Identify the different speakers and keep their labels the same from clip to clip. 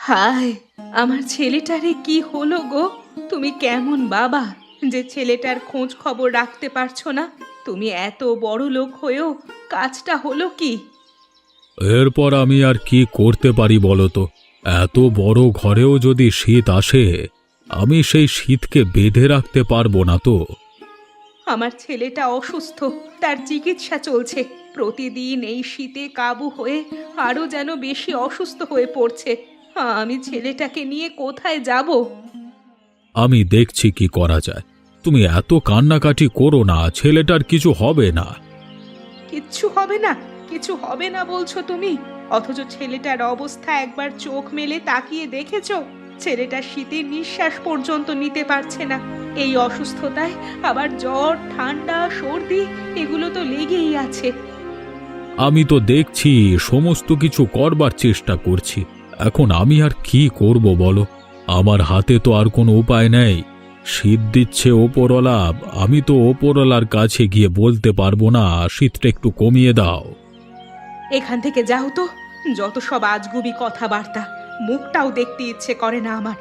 Speaker 1: হায়, আমার ছেলেটারে কি হলো গো? তুমি কেমন বাবা যে ছেলেটার খোঁজ খবর রাখতে পারছো না? তুমি এত বড় লোক হয়েও কাজটা হলো কি?
Speaker 2: এরপর আমি আর কি করতে পারি বলো তো? এত বড় ঘরেও যদি শীত আসে, আমি সেই শীতকে বেঁধে রাখতে পারবো না তো।
Speaker 1: আমার ছেলেটা অসুস্থ, তার চিকিৎসা চলছে। প্রতিদিন এই শীতে কাবু হয়ে আরো যেন বেশি অসুস্থ হয়ে পড়ছে। আমি ছেলেটাকে নিয়ে কোথায় যাব?
Speaker 2: আমি দেখছি কি করা যায়। তুমি এত কান্নাকাটি করো না, ছেলেটার কিছু হবে না।
Speaker 1: কিচ্ছু হবে না? কিছু হবে না বলছো তুমি? অথচ ছেলেটার অবস্থা একবার চোখ মেলে তাকিয়ে দেখেছো? ছেলেটা শীতের নিঃশ্বাস পর্যন্ত নিতে পারছে না। এই অসুস্থতায় আবার জ্বর, ঠান্ডা, সর্দি এগুলো তো লেগেই আছে।
Speaker 2: আমি তো দেখছি, সমস্ত কিছু করবার চেষ্টা করছি। এখন আমি আর কি করব বলো? আমার হাতে তো আর কোনো উপায় নেই। শীত দিচ্ছে ওপরওয়ালা, আমি তো ওপরওয়ালার কাছে গিয়ে বলতে পারবো না শীতটা একটু কমিয়ে দাও।
Speaker 1: এখান থেকে যাও তো, যত সব আজগুবি কথাবার্তা, মুখটাও দেখতে ইচ্ছে করে না আমার।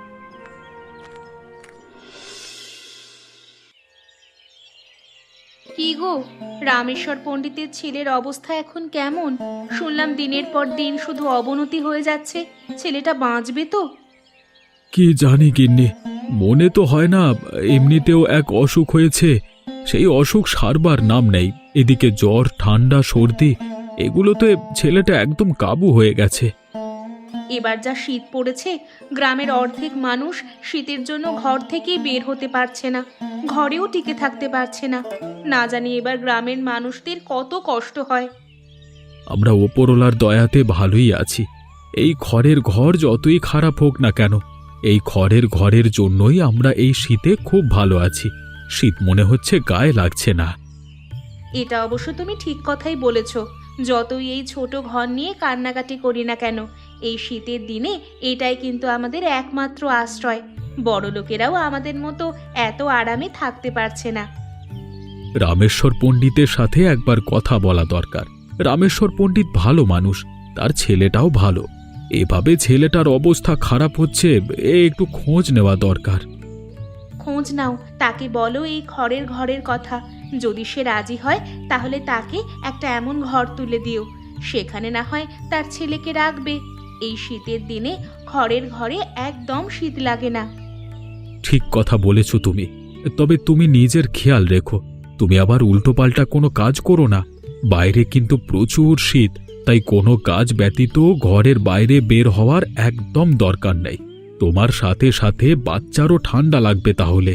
Speaker 1: কি গো, রামেশ্বর পণ্ডিতের ছেলের অবস্থা এখন কেমন? শুনলাম দিনের পর দিন শুধু অবনতি হয়ে যাচ্ছে। ছেলেটা বাঁচবে তো?
Speaker 2: কি জানি গিন্নি, মনে তো হয় না। এমনিতেও এক অসুখ হয়েছে, সেই অসুখ সারবার নাম নেই। এদিকে জ্বর, ঠান্ডা, সর্দি, এগুলোতে ছেলেটা একদম কাবু হয়ে গেছে।
Speaker 1: এবার যা শীত পড়েছে, গ্রামের অর্ধেক মানুষ শীতের জন্য ঘর থেকেই বের হতে পারছে না, ঘরেও টিকে থাকতে পারছে না। না জানি এবার গ্রামের মানুষদের কত কষ্ট হয়।
Speaker 2: আমরা ওপরওয়ালার দয়াতে ভালোই আছি। এই খড়ের ঘর যতই খারাপ হোক না কেন, এই খড়ের ঘরের জন্যই আমরা এই শীতে খুব ভালো আছি। শীত মনে হচ্ছে গায়ে লাগছে না।
Speaker 1: এটা অবশ্য তুমি ঠিক কথাই বলেছ। যতই এই ছোট ঘর নিয়ে কান্নাকাটি করি না কেন, এই শীতের দিনে এটাই কিন্তু আমাদের একমাত্র আশ্রয়। বড় লোকেরাও আমাদের মতো এত আরামে থাকতে পারছে না।
Speaker 2: রামেশ্বর পণ্ডিতের সাথে একবার কথা বলা দরকার। রামেশ্বর পণ্ডিত ভালো মানুষ, তার ছেলেটাও ভালো। এভাবে ছেলেটার অবস্থা খারাপ হচ্ছে, একটু খোঁজ নেওয়া দরকার।
Speaker 1: খোঁজ নাও, তাকে বলো এই খড়ের ঘরের কথা। যদি সে রাজি হয় তাহলে তাকে একটা এমন ঘর তুলে দিও, সেখানে না হয় তার ছেলেকে রাখবে। এই শীতের দিনে খড়ের ঘরে একদম শীত লাগে না।
Speaker 2: ঠিক কথা বলেছ তুমি। তবে তুমি নিজের খেয়াল রেখো, তুমি আবার উল্টোপাল্টা কোনো কাজ করো না। বাইরে কিন্তু প্রচুর শীত, তাই কোনো কাজ ব্যতীত ঘরের বাইরে বের হওয়ার একদম দরকার নেই। তোমার সাথে সাথে বাচ্চারও ঠান্ডা লাগবে তাহলে।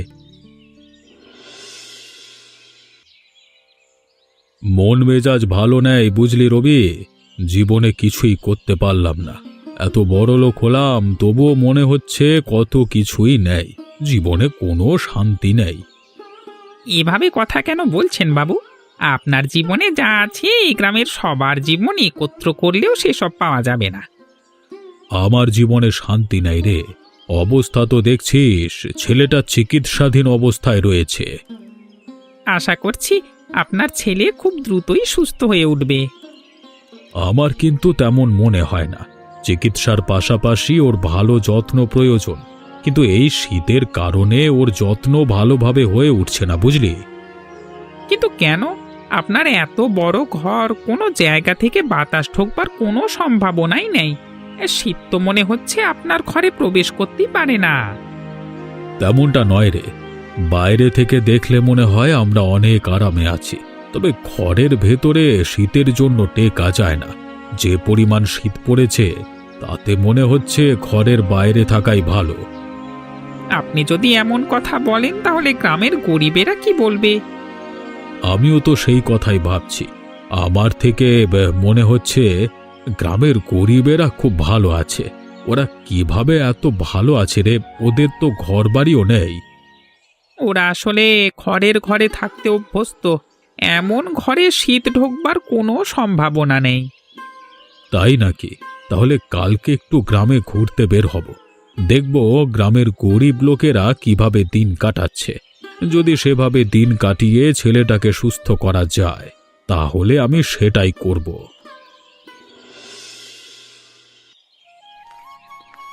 Speaker 2: মন মেজাজ ভালো নেই বুঝলি রবি, জীবনে কিছুই করতে পারলাম না। এত বড় লোক হলাম, তবুও মনে হচ্ছে কত কিছুই নেই, জীবনে কোনো শান্তি নেই।
Speaker 3: এভাবে কথা কেন বলছেন বাবু? আপনার জীবনে যা আছে এই গ্রামের সবার জীবন একত্র করলেও সেসব পাওয়া যাবে না।
Speaker 2: আমার জীবনে শান্তি নাই রে। অবস্থা তো দেখছিস, ছেলেটা চিকিৎসাধীন অবস্থায় রয়েছে।
Speaker 3: আশা করছি আপনার ছেলে খুব দ্রুতই সুস্থ হয়ে উঠবে।
Speaker 2: আমার কিন্তু তেমন মনে হয় না। চিকিৎসার পাশাপাশি ওর ভালো যত্ন প্রয়োজন, কিন্তু এই শীতের কারণে ওর যত্ন ভালোভাবে হয়ে উঠছে না বুঝলি।
Speaker 3: কিন্তু কেন? আপনার এত বড় ঘর, কোনো জায়গা থেকে বাতাস ঢোকবার কোনো সম্ভাবনাই নেই। শীত তো মনে হচ্ছে আপনার ঘরে প্রবেশ করতেই পারে না।
Speaker 2: তেমনটা নয় রে, বাইরে থেকে দেখলে মনে হয় আমরা অনেক আরামে আছি, তবে ঘরের ভেতরে শীতের জন্য টেকা যায় না। যে পরিমাণ শীত পড়েছে, তাতে মনে হচ্ছে ঘরের বাইরে থাকাই ভালো।
Speaker 3: আপনি যদি এমন কথা বলেন তাহলে গ্রামের গরিবেরা কি বলবে?
Speaker 2: আমিও তো সেই কথাই ভাবছি। আমার থেকে মনে হচ্ছে গ্রামের গরিবেরা খুব ভালো আছে। ওরা কিভাবে এত ভালো আছে রে? ওদের তো ঘরবাড়িও নেই।
Speaker 3: ওরা আসলে খড়ের ঘরে থাকতে অভ্যস্ত। এমন ঘরে শীত ঢোকবার কোনো সম্ভাবনা নেই।
Speaker 2: তাই নাকি? তাহলে কালকে একটু গ্রামে ঘুরতে বের হব, দেখব গ্রামের গরিব লোকেরা কিভাবে দিন কাটাচ্ছে। যদি সেভাবে দিন কাটিয়ে ছেলেটাকে সুস্থ করা যায়, তাহলে আমি সেটাই করব।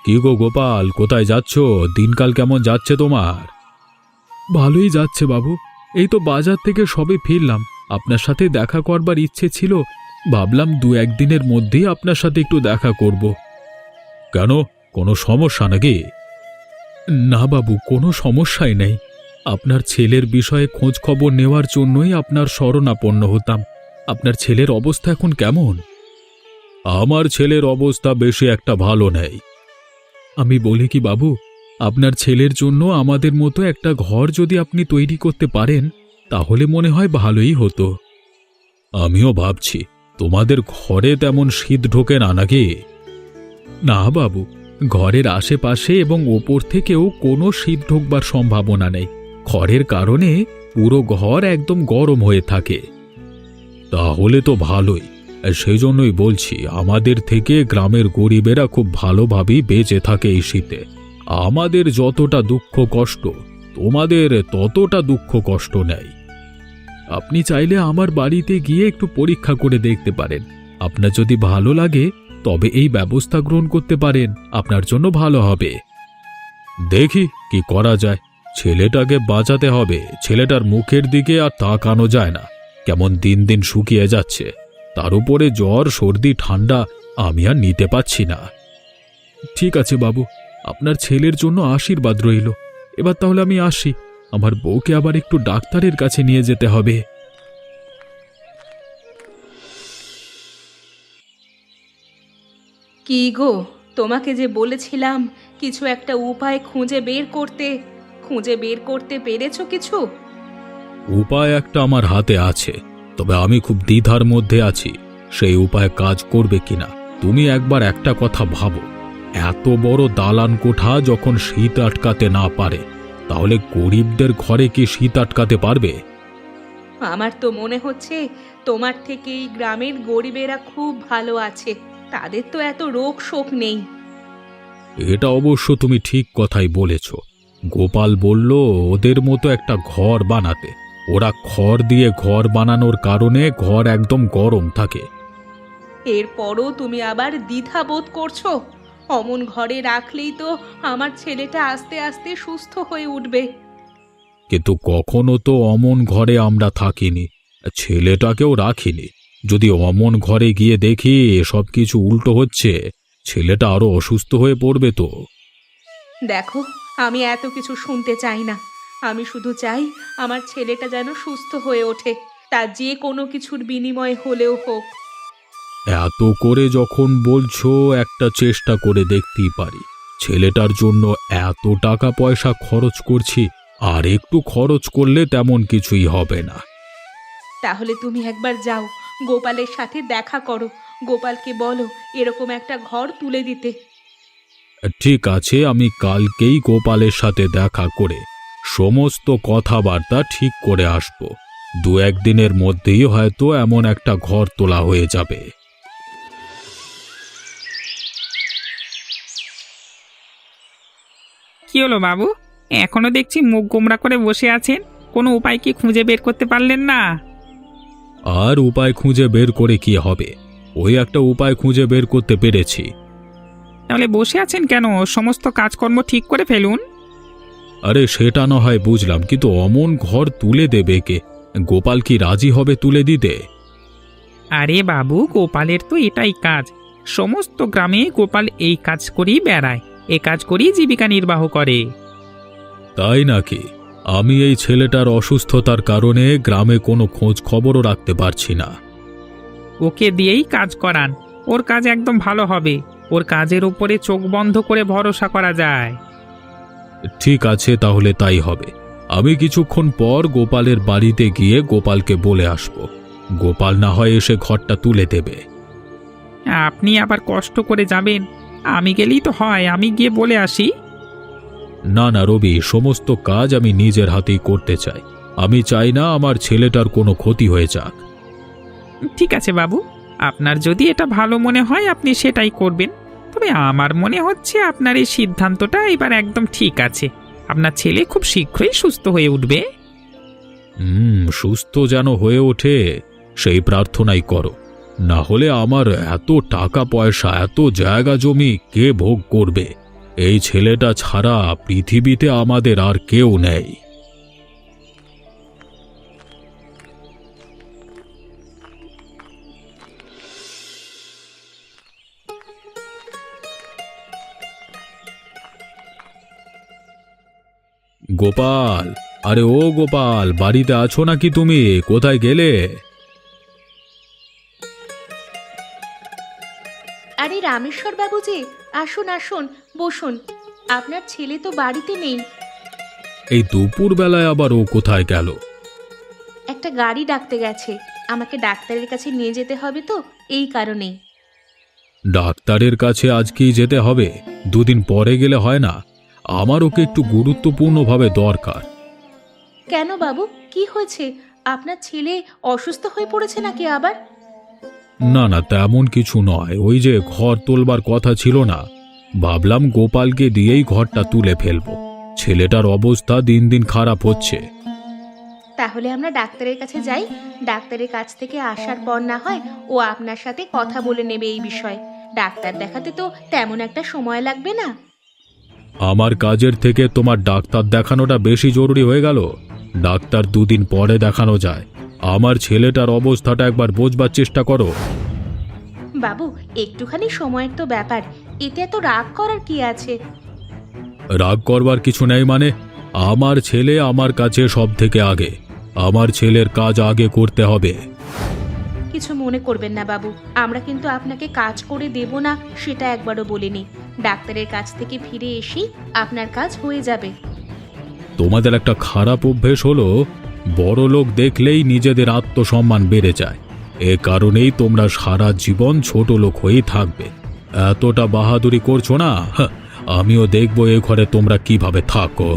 Speaker 2: কি গো গোপাল, কোথায় যাচ্ছ? দিনকাল কেমন যাচ্ছে তোমার? ভালোই যাচ্ছে বাবু। এই তো বাজার থেকে সবে ফিরলাম। আপনার সাথে দেখা করবার ইচ্ছে ছিল, ভাবলাম 2-1 দিনের মধ্যেই আপনার সাথে একটু দেখা করব। কেন, কোনো সমস্যা নাকি? না বাবু, কোনো সমস্যাই নেই। আপনার ছেলের বিষয়ে খোঁজ খবর নেওয়ার জন্যই আপনার শরণাপন্ন হতাম। আপনার ছেলের অবস্থা এখন কেমন? আমার ছেলের অবস্থা বেশি একটা ভালো নেই। আমি বলি কি বাবু, আপনার ছেলের জন্য আমাদের মতো একটা ঘর যদি আপনি তৈরি করতে পারেন, তাহলে মনে হয় ভালোই হতো। আমিও ভাবছি, তোমাদের ঘরে তেমন শীত ঢোকে না নাকি? না বাবু, ঘরের আশেপাশে এবং ওপর থেকেও কোনো শীত ঢোকবার সম্ভাবনা নেই। খড়ের কারণে পুরো ঘর একদম গরম হয়ে থাকে। তাহলে তো ভালোই। সেই জন্যই বলছি, আমাদের থেকে গ্রামের গরিবেরা খুব ভালোভাবেই বেঁচে থাকে এই শীতে। আমাদের যতটা দুঃখ কষ্ট, তোমাদের ততটা দুঃখ কষ্ট নেই। আপনি চাইলে আমার বাড়িতে গিয়ে একটু পরীক্ষা করে দেখতে পারেন। আপনার যদি ভালো লাগে তবে এই ব্যবস্থা গ্রহণ করতে পারেন, আপনার জন্য ভালো হবে। দেখি কি করা যায়। ছেলেটাকে বাঁচাতে হবে। ছেলেটার মুখের দিকে আর তাকানো যায় না, কেমন দিন দিন শুকিয়ে যাচ্ছে। তার উপরে জ্বর, সর্দি, ঠান্ডা আমি আর নিতে পারছি না। ঠিক আছে বাবু, আপনার ছেলের জন্য আশীর্বাদ রইল। এবার তাহলে আমি আসি, আমার বউকে আবার একটু ডাক্তারের কাছে নিয়ে যেতে হবে।
Speaker 1: কি গো, তোমাকে যে বলেছিলাম কিছু একটা উপায় খুঁজে বের করতে পেরেছো কিছু?
Speaker 2: উপায় একটা আমার হাতে আছে, তবে আমি খুব দ্বিধার মধ্যে আছি সেই উপায় কাজ করবে কিনা। তুমি একবার একটা কথা ভাবো, এত বড় দালান কোঠা যখন শীত আটকাতে না পারে, তাহলে গরিবদের ঘরে কি শীত আটকাতে পারবে?
Speaker 1: আমার তো মনে হচ্ছে তোমার থেকে এই গ্রামের গরিবেরা খুব ভালো আছে, তাদের তো এত রোগ শোক নেই।
Speaker 2: এটা অবশ্য তুমি ঠিক কথাই বলেছ। গোপাল বলল ওদের মতো একটা ঘর বানাতে। ওরা খড় দিয়ে ঘর বানানোর কারণে ঘর একদম গরম থাকে।
Speaker 1: এরপরও তুমি আবার দ্বিধা বোধ করছো? অমন ঘরে রাখলেই তো আমার ছেলেটা আস্তে আস্তে সুস্থ হয়ে উঠবে।
Speaker 2: কিন্তু কখনো তো অমন ঘরে আমরা থাকিনি, ছেলেটাকেও রাখিনি। যদি অমন ঘরে গিয়ে দেখি সব কিছু উল্টো হচ্ছে, ছেলেটা আরো অসুস্থ হয়ে পড়বে তো।
Speaker 1: দেখো, আমি এত কিছু শুনতে চাই না। আমি শুধু চাই আমার ছেলেটা যেন সুস্থ হয়ে ওঠে, তা যে কোনো কিছুর বিনিময় হলেও হোক।
Speaker 2: এত করে যখন বলছো, একটা চেষ্টা করে দেখতেই পারি। ছেলেটার জন্য এত টাকা পয়সা খরচ করছি, আর একটু খরচ করলে তেমন কিছুই হবে না।
Speaker 1: তাহলে তুমি একবার যাও, গোপালের সাথে দেখা করো, গোপালকে বলো এরকম একটা ঘর তুলে দিতে।
Speaker 2: ঠিক আছে, আমি কালকেই গোপালের সাথে দেখা করে সমস্ত কথাবার্তা ঠিক করে আসব। 2-1 দিনের মধ্যেই হয়তো এমন একটা ঘর তোলা হয়ে যাবে।
Speaker 3: কি হলো বাবু, এখনো দেখছি মুখ গোমরা করে বসে আছেন। কোনো উপায় কি খুঁজে বের করতে পারলেন না?
Speaker 2: আর উপায় খুঁজে বের করে কি হবে? ওই একটা উপায় খুঁজে বের করতে পেরেছি।
Speaker 3: তাহলে বসে আছেন কেন? সমস্ত কাজকর্ম ঠিক করে ফেলুন।
Speaker 2: আরে সেটা না হয় বুঝলাম, কিন্তু অমন ঘর তুলে দেবে কে? গোপাল কি রাজি হবে তুলে দিতে?
Speaker 3: আরে বাবু, গোপালের তো এটাই কাজ। সমস্ত গ্রামে গোপাল এই কাজ করেই বেড়ায়, এ কাজ করেই জীবিকা নির্বাহ করে।
Speaker 2: তাই নাকি? আমি এই ছেলেটার অসুস্থতার কারণে গ্রামে কোনো খোঁজ খবরও রাখতে পারছি না।
Speaker 3: ওকে দিয়েই কাজ করান, ওর কাজ একদম ভালো হবে। ওর কাজের উপরে চোখ বন্ধ করে ভরসা করা যায়।
Speaker 2: ঠিক আছে, তাহলে তাই হবে। আমি কিছুক্ষণ পর গোপালের বাড়িতে গিয়ে গোপালকে বলে আসব। গোপাল না হয় এসে ঘরটা তুলে দেবে।
Speaker 3: আপনি আবার কষ্ট করে যাবেন? আমি গেলেই তো হয়, আমি গিয়ে বলে আসি।
Speaker 2: না না রবি, সমস্ত কাজ আমি নিজের হাতেই করতে চাই। আমি চাই না আমার ছেলেটার কোনো ক্ষতি হয়ে যাক।
Speaker 3: ঠিক আছে বাবু, আপনার যদি এটা ভালো মনে হয় আপনি সেটাই করবেন। তবে আমার মনে হচ্ছে আপনার এই সিদ্ধান্তটা এবার একদম ঠিক আছে। আপনার ছেলে খুব শীঘ্রই সুস্থ হয়ে উঠবে।
Speaker 2: সুস্থ যেন হয়ে ওঠে সেই প্রার্থনাই করো। না হলে আমার এত টাকা পয়সা, এত জায়গা জমি কে ভোগ করবে? এই ছেলেটা ছাড়া পৃথিবীতে আমাদের আর কেউ নেই। গোপাল, আরে ও গোপাল, বাড়িতে আছো নাকি তুমি? কোথায় গেলে?
Speaker 1: আরে রামেশ্বর বাবু যে, আসুন আসুন, বসুন। আপনার ছেলে তো বাড়িতে নেই।
Speaker 2: এই দুপুর বেলায় আবার ও কোথায় গেল?
Speaker 1: একটা গাড়ি ডাকতে গেছে, আমাকে ডাক্তারের কাছে নিয়ে যেতে হবে তো, এই কারণেই।
Speaker 2: ডাক্তারের কাছে আজকেই যেতে হবে? দুদিন পরে গেলে হয় না? আমার ওকে একটু গুরুত্বপূর্ণভাবে দরকার।
Speaker 1: কেন বাবু, কি হয়েছে? আপনার ছেলে অসুস্থ হয়ে পড়েছে নাকি আবার?
Speaker 2: না না, তেমন কিছু নয়। ওই যে ঘর তোলবার কথা ছিল না, ভাবলাম গোপালকে দিয়েই ঘরটা তুলে ফেলবো। ছেলেটার অবস্থা দিন দিন খারাপ হচ্ছে।
Speaker 1: তাহলে আমরা ডাক্তারের কাছে যাই। ডাক্তারের কাছ থেকে আসার পর না হয় ও আপনার সাথে কথা বলে নেবে এই বিষয়ে। ডাক্তার দেখাতে তো তেমন একটা সময় লাগবে না।
Speaker 2: আমার কাজের থেকে তোমার ডাক্তার দেখানোটা বেশি জরুরি হয়ে গেল। ডাক্তার দুদিন পরে দেখানো যায়। আমার ছেলেটার অবস্থাটা একবার বোঝবার চেষ্টা করো।
Speaker 1: বাবু, একটুখানি সময়ের তো ব্যাপার, এতে এত রাগ করার কি আছে?
Speaker 2: রাগ করবার কিছু নেই মানে? আমার ছেলে আমার কাছে সব থেকে আগে। আমার ছেলের কাজ আগে করতে হবে।
Speaker 1: কিছু মনে করবেন না বাবু, আমরা কিন্তু আপনাকে কাজ করে দেব না সেটা একবারও বলিনি। ডাক্তারের কাছ থেকে ফিরে এসেই আপনার কাজ হয়ে যাবে।
Speaker 2: তোমাদের একটা খারাপ অভ্যেস হলো, বড় লোক দেখলেই নিজেদের আত্মসম্মান বেড়ে যায়। এ কারণেই তোমরা সারা জীবন ছোট লোক হয়েই থাকবে। এতটা বাহাদুরি করছো না? আমিও দেখবো এ ঘরে তোমরা কিভাবে থাকো।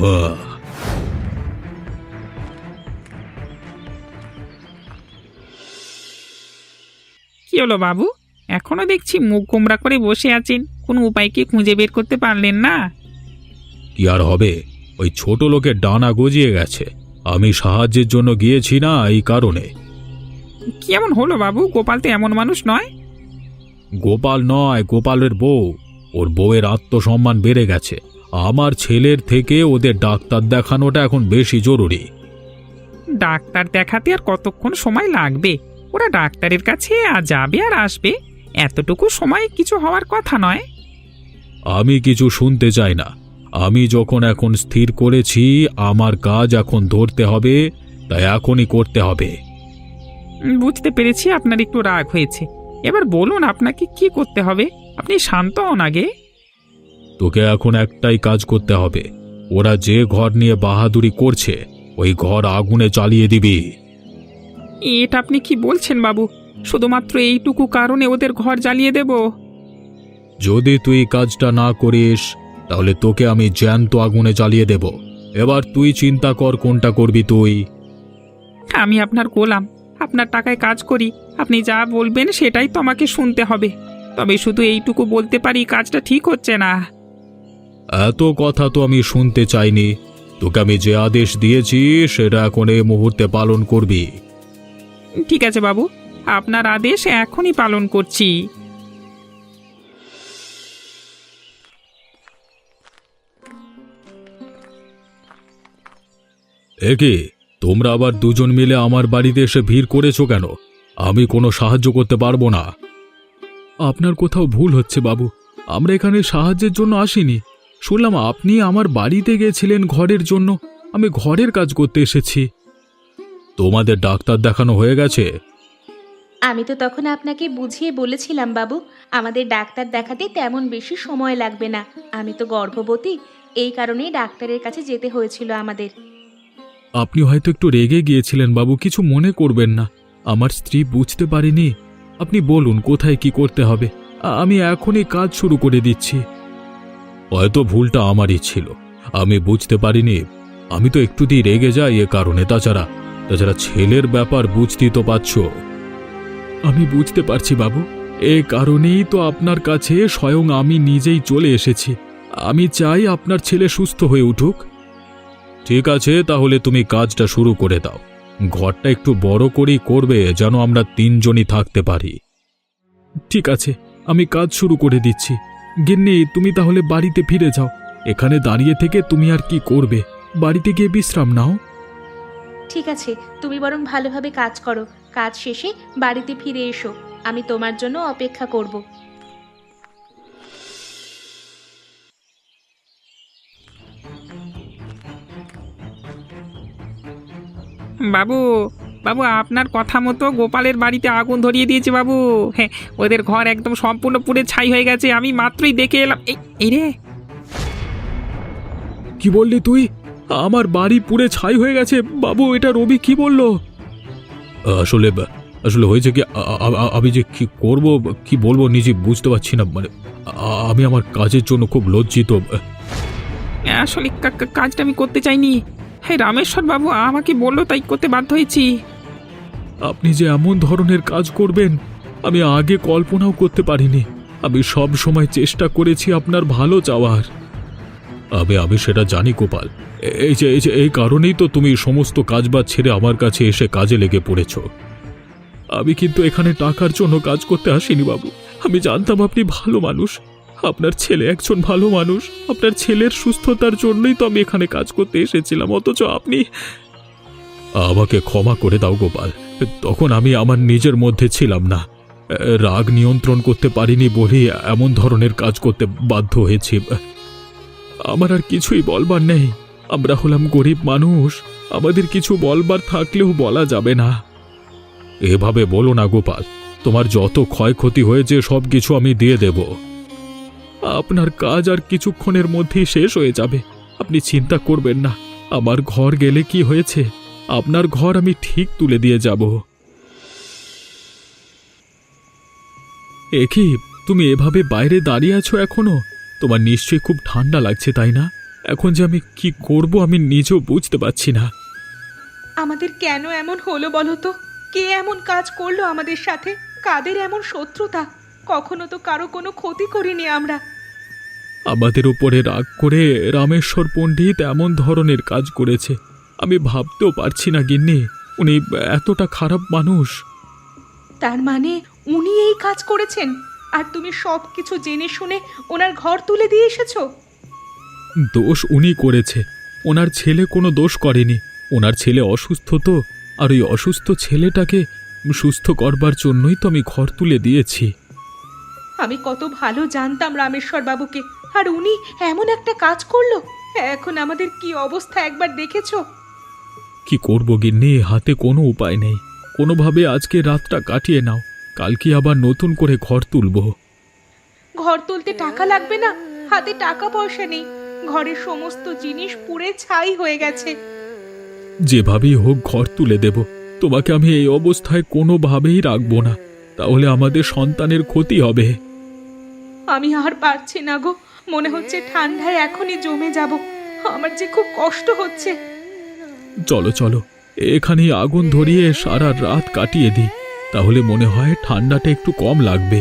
Speaker 3: কি হলো বাবু, এখনো দেখছি মুখ গোমরা করে বসে আছেন। কোনো উপায় কি খুঁজে বের করতে পারলেন না?
Speaker 2: কি আর হবে, ওই ছোট লোকের ডানা গজিয়ে গেছে। আমি সাহায্যের জন্য গিয়েছি না, এই কারণে।
Speaker 3: কি এমন হলো বাবু? গোপাল তো এমন মানুষ নয়।
Speaker 2: গোপাল নয়, গোপালের বউ। ওর বউয়ের আত্মসম্মান বেড়ে গেছে। আমার ছেলের থেকে ওদের ডাক্তার দেখানোটা এখন বেশি জরুরি।
Speaker 3: ডাক্তার দেখাতে আর কতক্ষণ সময় লাগবে? ওরা ডাক্তারের কাছে যাবে আর আসবে, এতটুকু সময় কিছু হওয়ার কথা নয়।
Speaker 2: আমি কিছু শুনতে চাই না। আমি যখন এখন স্থির করেছি আমার কাজ এখন ধরতে হবে, তাই এখনই করতে হবে।
Speaker 3: বুঝতে পেরেছি আপনার একটু রাগ হয়েছে। এবার বলুন আপনাকে কি করতে হবে। আপনি শান্ত হন আগে।
Speaker 2: তোকে এখন একটাই কাজ করতে হবে। ওরা যে ঘর নিয়ে বাহাদুরি করছে, ওই ঘর আগুনে জ্বালিয়ে দিবি।
Speaker 3: এটা আপনি কি বলছেন বাবু? শুধুমাত্র এইটুকু কারণে ওদের ঘর জ্বালিয়ে দেব?
Speaker 2: যদি তুই কাজটা না করিস তাহলে তোকে আমি জ্যান্ত আগুনে জ্বালিয়ে দেব। এবার তুই চিন্তা কর কোনটা করবি তুই।
Speaker 3: আমি আপনার গোলাম, আপনার টাকায় কাজ করি। আপনি যা বলবেন সেটাই তো আমাকে শুনতে হবে। তবে শুধু এইটুকু বলতে পারি, কাজটা ঠিক হচ্ছে না।
Speaker 2: এত কথা তো আমি শুনতে চাইনি। তোকে আমি যে আদেশ দিয়েছি সেটা এখন এই মুহূর্তে পালন করবি।
Speaker 3: ঠিক আছে বাবু, আপনার আদেশ এখনই পালন করছি।
Speaker 2: একে তোমরা আবার দুজন মিলে আমার বাড়িতে এসে ভিড় করেছো কেন? আমি কোনো সাহায্য করতে পারবো না। আপনার কোথাও ভুল হচ্ছে বাবু। আমরা এখানে সাহায্যের জন্য আসিনি। শুনলাম আপনি আমার বাড়িতে গেছিলেন ঘরের জন্য। আমি ঘরের কাজ করতে এসেছি। তোমাদের ডাক্তার দেখানো হয়ে গেছে?
Speaker 1: আমি তো তখন আপনাকে বুঝিয়ে বলেছিলাম বাবু, আমাদের ডাক্তার দেখাতে তেমন বেশি সময় লাগবে না। আমি তো গর্ভবতী, এই কারণেই ডাক্তারের কাছে যেতে হয়েছিল আমাদের।
Speaker 2: আপনি হয়তো একটু রেগে গিয়েছিলেন বাবু, কিছু মনে করবেন না। আমার স্ত্রী বুঝতে পারেনি। আপনি বলুন কোথায় কি করতে হবে, আমি এখনই কাজ শুরু করে দিচ্ছি। হয়তো ভুলটা আমারই ছিল, আমি বুঝতে পারিনি। আমি তো একটুতেই রেগে যাই এ কারণে। তাছাড়া ছেলের ব্যাপার বুঝতেই তো পারছ। আমি বুঝতে পারছি বাবু, এ কারণেই তো আপনার কাছে স্বয়ং আমি নিজেই চলে এসেছি। আমি চাই আপনার ছেলে সুস্থ হয়ে উঠুক। ঠিক আছে, তাহলে তুমি কাজটা শুরু করে দাও। ঘরটা একটু বড় করেই করবে, যেন আমরা তিনজনই থাকতে পারি। ঠিক আছে, আমি কাজ শুরু করে দিচ্ছি। গিন্নি, তুমি তাহলে বাড়িতে ফিরে যাও। এখানে দাঁড়িয়ে থেকে তুমি আর কি করবে? বাড়িতে গিয়ে বিশ্রাম নাও।
Speaker 1: ঠিক আছে, তুমি বরং ভালোভাবে কাজ করো। কাজ শেষে বাড়িতে ফিরে এসো, আমি তোমার জন্য অপেক্ষা করব।
Speaker 3: বাবু, বাবু আপনার কথা মতো গোপালের বাড়িতে আগুন ধরিয়ে দিয়েছে বাবু। হ্যাঁ, ওদের ঘর একদম সম্পূর্ণ পুড়ে ছাই হয়ে গেছে। আমি মাত্রই দেখে এলাম। এই রে,
Speaker 2: কি বললি তুই? আমার বাড়ি পুড়ে ছাই হয়ে গেছে? বাবু, এটা রবি কি বললো? আসলে আসলে হয়েছে কি, আমি যে কি করব, কি বলবো নিজে বুঝতে পারছি না। মানে আমি আমার কাজের জন্য খুব লজ্জিত।
Speaker 3: আসলে কাজটা আমি করতে চাইনি। হ্যাঁ, রামেশ্বর বাবু আমাকে বললো তাই করতে বাধ্য হয়েছি।
Speaker 2: আপনি যে এমন ধরনের কাজ করবেন আমি আগে কল্পনাও করতে পারিনি। আমি সব সময় চেষ্টা করেছি আপনার ভালো চাওয়ার। আমি সেটা জানি গোপাল। এই কারণেই তো তুমি সমস্ত কাজবাজ ছেড়ে আমার কাছে এসে কাজে লেগে পড়েছ। আমি কিন্তু এখানে টাকার জন্য কাজ করতে আসিনি বাবু। আমি জানতাম আপনি ভালো মানুষ, আপনার ছেলে একজন ভালো মানুষ। আপনার ছেলের সুস্থতার জন্যই তো আমি এখানে কাজ করতে এসেছিলাম, অথচ আপনি। আমাকে ক্ষমা করে দাও গোপাল, তখন আমি আমার নিজের মধ্যে ছিলাম না। রাগ নিয়ন্ত্রণ করতে পারিনি বলে এমন ধরনের কাজ করতে বাধ্য হয়েছি। আমার আর কিছুই বলবার নেই। আমরা হলাম গরিব মানুষ, আমাদের কিছু বলবার থাকলেও বলা যাবে না। এভাবে বলো না গোপাল, তোমার যত ক্ষয়ক্ষতি হয়েছে সব কিছু আমি দিয়ে দেব। আপনার কাজ আর কিছুক্ষণের মধ্যেই শেষ হয়ে যাবে, আপনি চিন্তা করবেন না। আমার ঘর গেলে কি হয়েছে, আপনার ঘর আমি ঠিক তুলে দিয়ে যাব। কি তুমি এভাবে বাইরে দাঁড়িয়ে আছো এখনো? তোমার নিশ্চয়ই খুব ঠান্ডা লাগছে, তাই না? এখন যে আমি কি করব আমি নিজেও বুঝতে পারছি না।
Speaker 1: আমাদের কেন এমন হলো বলো তো? কে এমন কাজ করলো আমাদের সাথে? কাদের এমন শত্রুতা? কখনো তো কারো কোনো ক্ষতি করিনি আমরা।
Speaker 2: আমাদের উপরে রাগ করে রামেশ্বর পণ্ডিত এমন ধরনের কাজ করেছে, আমি ভাবতেও পারছি না গিন্নি। উনি এতটা খারাপ মানুষ।
Speaker 1: তার মানে উনি এই কাজ করেছেন, আর তুমি সব কিছু জেনে শুনে ওনার ঘর তুলে দিয়ে এসেছো?
Speaker 2: দোষ উনি করেছে, ওনার ছেলে কোনো দোষ করেনি। ওনার ছেলে অসুস্থ তো, আর ওই অসুস্থ ছেলেটাকে সুস্থ করবার জন্যই তো আমি ঘর তুলে দিয়েছি।
Speaker 1: আমি কত ভালো জানতাম রামেশ্বর বাবুকে, আর উনি এমন একটা কাজ করলো। এখন আমাদের কি অবস্থা একবার দেখেছো?
Speaker 2: কি করব গিন্নি, হাতে কোনো উপায় নেই। কোনোভাবে আজকে রাতটা কাটিয়ে নাও, কালকে আবার নতুন করে ঘর তুলব।
Speaker 1: ঘর তুলতে টাকা লাগবে না? হাতে টাকা পয়সা নেই, ঘরের সমস্ত জিনিস পুড়ে ছাই হয়ে গেছে।
Speaker 2: যেভাবেই হোক ঘর তুলে দেব। তোমাকে আমি এই অবস্থায় কোনোভাবেই রাখবো না, তাহলে আমাদের সন্তানের ক্ষতি হবে।
Speaker 1: আমি আর পারছি না গো, মনে হচ্ছে ঠান্ডায় এখনই জমে যাব। আমার যে খুব কষ্ট হচ্ছে।
Speaker 2: চলো চলো, এখানেই আগুন ধরিয়ে সারা রাত কাটিয়ে দিই, তাহলে মনে হয় ঠান্ডাটা একটু কম লাগবে।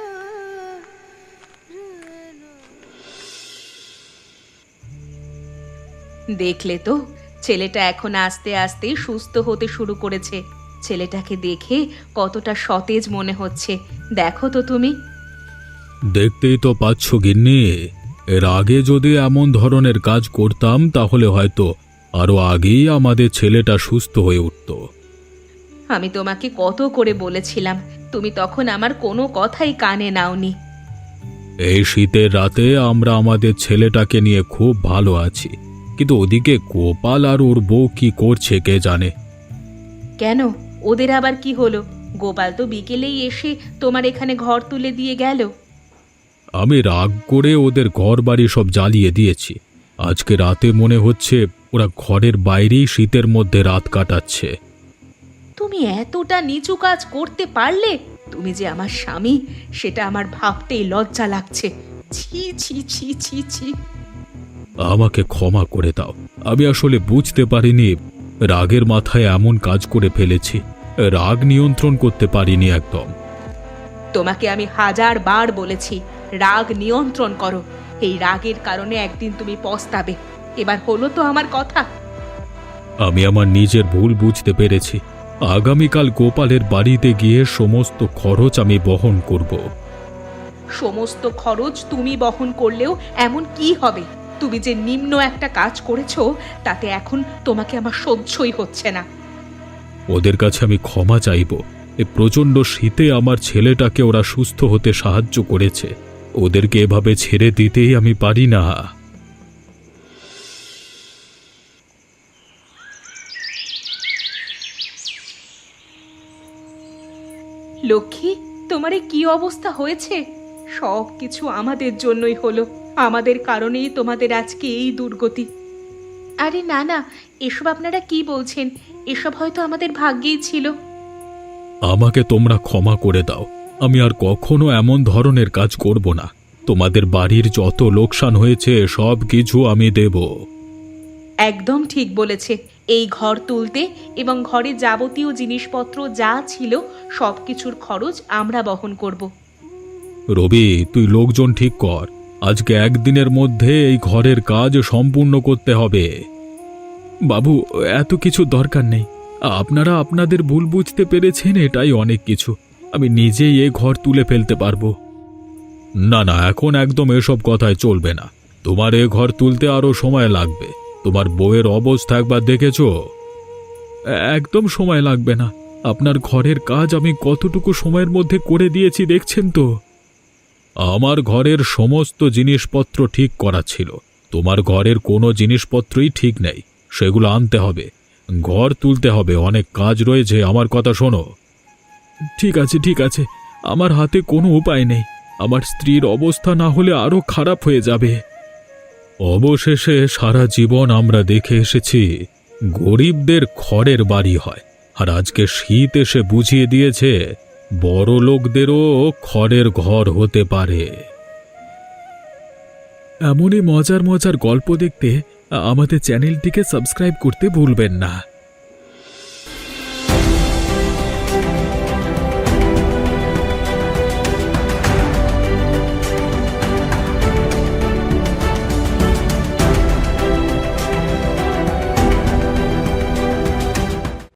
Speaker 1: দেখলে তো, ছেলেটা এখন আস্তে আস্তে সুস্থ হতে শুরু করেছে। ছেলেটাকে দেখে কতটা সতেজ মনে হচ্ছে, দেখো তো তুমি।
Speaker 2: দেখতেই তো পাচ্ছ গিন্নি, এর আগে যদি এমন ধরনের কাজ করতাম তাহলে হয়তো আরো আগেই আমাদের ছেলেটা সুস্থ হয়ে উঠত।
Speaker 1: আমি তোমাকে কত করে বলেছিলাম, তুমি তখন আমার কোনো কথাই কানে নাওনি।
Speaker 2: এই শীতের রাতে আমরা আমাদের ছেলেটাকে নিয়ে খুব ভালো আছি, কিন্তু ওদিকে গোপাল আর ওর বউ কি করছে কে জানে।
Speaker 1: কেন, ওদের আবার কি হলো? গোপাল তো বিকেলেই এসে তোমার এখানে ঘর তুলে দিয়ে গেল।
Speaker 2: আমি রাগ করে ওদের ঘর বাড়ি সব জ্বালিয়ে দিয়েছি। আজকে রাতে মনে হচ্ছে ওরা ঘরের বাইরেই শীতের মধ্যে রাত কাটাচ্ছে।
Speaker 1: তুমি এতটা নিচু কাজ করতে পারলে? তুমি যে আমার স্বামী, সেটা আমার ভাবতেই লজ্জা লাগছে। ছি ছি ছি ছি ছি।
Speaker 2: আমাকে ক্ষমা করে দাও, আমি আসলে বুঝতে পারিনি, রাগের মাথায় এমন কাজ করে ফেলেছি। রাগ নিয়ন্ত্রণ করতে পারিনি একদম।
Speaker 1: তোমাকে আমি 1000 বার বলেছি রাগ নিয়ন্ত্রণ করো। এই রাগের কারণে একদিন তুমি পস্তাবে। এবার হলো তো আমার কথা।
Speaker 2: আমি আমার নিজের ভুল বুঝতে পেরেছি। আগামীকাল গোপালের বাড়িতে গিয়ে সমস্ত খরচ আমি বহন করব।
Speaker 1: সমস্ত খরচ তুমি বহন করলেও এমন কি হবে? তুমি যে নিম্ন একটা কাজ করেছো তাতে এখন তোমাকে আমার সহ্যই হচ্ছে না।
Speaker 2: ওদের কাছে আমি ক্ষমা চাইব। এই প্রচণ্ড শীতে আমার ছেলেটাকে ওরা সুস্থ হতে সাহায্য করেছে। ওদেরকে এভাবে ছেড়ে দিতেই আমি পারি না।
Speaker 1: লক্ষ্মী, তোমার এ কি অবস্থা হয়েছে? সব কিছু আমাদের জন্যই হলো, আমাদের কারণেই তোমাদের আজকে এই দুর্গতি। আরে না না, এসব আপনারা কি বলছেন? এসব হয়তো আমাদের ভাগ্যেই ছিল।
Speaker 2: আমাকে তোমরা ক্ষমা করে দাও। আমি আর কখনো এমন ধরনের কাজ করব না। তোমাদের বাড়ির যত লোকসান হয়েছে সব কিছু আমি দেব।
Speaker 1: একদম ঠিক বলেছে। এই ঘর তুলতে এবং ঘরে যাবতীয় জিনিসপত্র যা ছিল সব কিছুর খরচ আমরা বহন করব।
Speaker 2: রবি, তুই লোকজন ঠিক কর। আজকে একদিনের মধ্যে এই ঘরের কাজ সম্পূর্ণ করতে হবে। বাবু, এত কিছু দরকার নেই। আপনারা আপনাদের ভুল বুঝতে পেরেছেন, এটাই অনেক কিছু। আমি নিজেই এ ঘর তুলে ফেলতে পারবো। না না, এখন একদম এসব কথায় চলবে না। তোমার এ ঘর তুলতে আরো সময় লাগবে। তোমার বউয়ের অবস্থা একবার দেখেছো? একদম সময় লাগবে না। আপনার ঘরের কাজ আমি কতটুকু সময়ের মধ্যে করে দিয়েছি দেখছেন তো। আমার ঘরের সমস্ত জিনিসপত্র ঠিক করা ছিল। তোমার ঘরের কোনো জিনিসপত্রই ঠিক নেই, সেগুলো আনতে হবে। ঘর তুলতে হবে, অনেক কাজ রয়েছে। আমার কথা শোনো। ঠিক আছে ঠিক আছে, আমার হাতে কোনো উপায় নেই। আমার স্ত্রীর অবস্থা না হলে আরো খারাপ হয়ে যাবে। অবশেষে সারা জীবন আমরা দেখে এসেছি গরিবদের খড়ের বাড়ি হয়, আর আজকে শীত এসে বুঝিয়ে দিয়েছে বড় লোকদেরও খড়ের ঘর হতে পারে। এমনই মজার মজার গল্প দেখতে আমাদের চ্যানেলটিকে সাবস্ক্রাইব করতে ভুলবেন না।